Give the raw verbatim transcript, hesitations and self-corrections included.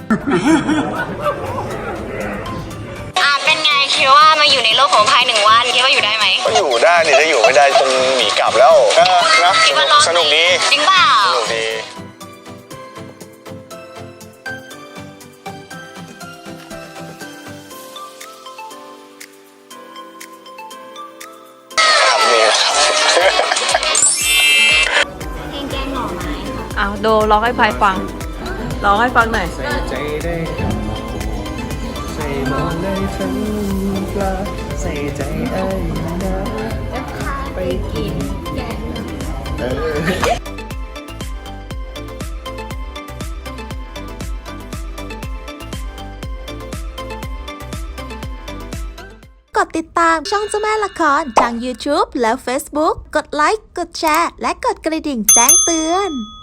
อ่าเป็นไงคิดว่ามาอยู่ในโลกของพายหนึ่งวันคิดว่าอยู่ได้ไหมก็อยู่ได้นี่ถ้าอยู่ไม่ได้คงหนีกลับแล้วเออนะคิดว่ารอดสนุกดีจริงเปล่าสนุกดีครับนี่นะครับเพลงแกงหน่อไม้ค่ะอ้าวโดร้องให้พายฟังร้องให้ฟังหน่อยใส่ใจได้ทำใส่หมอนได้ทั้งปลาใส่ใจไอ้นะจะพาไปกินแกงเออกดติดตามช่องเจ้าแม่ละครทาง YouTube และ Facebook กดไลค์ กดแชร์ และกดกระดิ่งแจ้งเตือน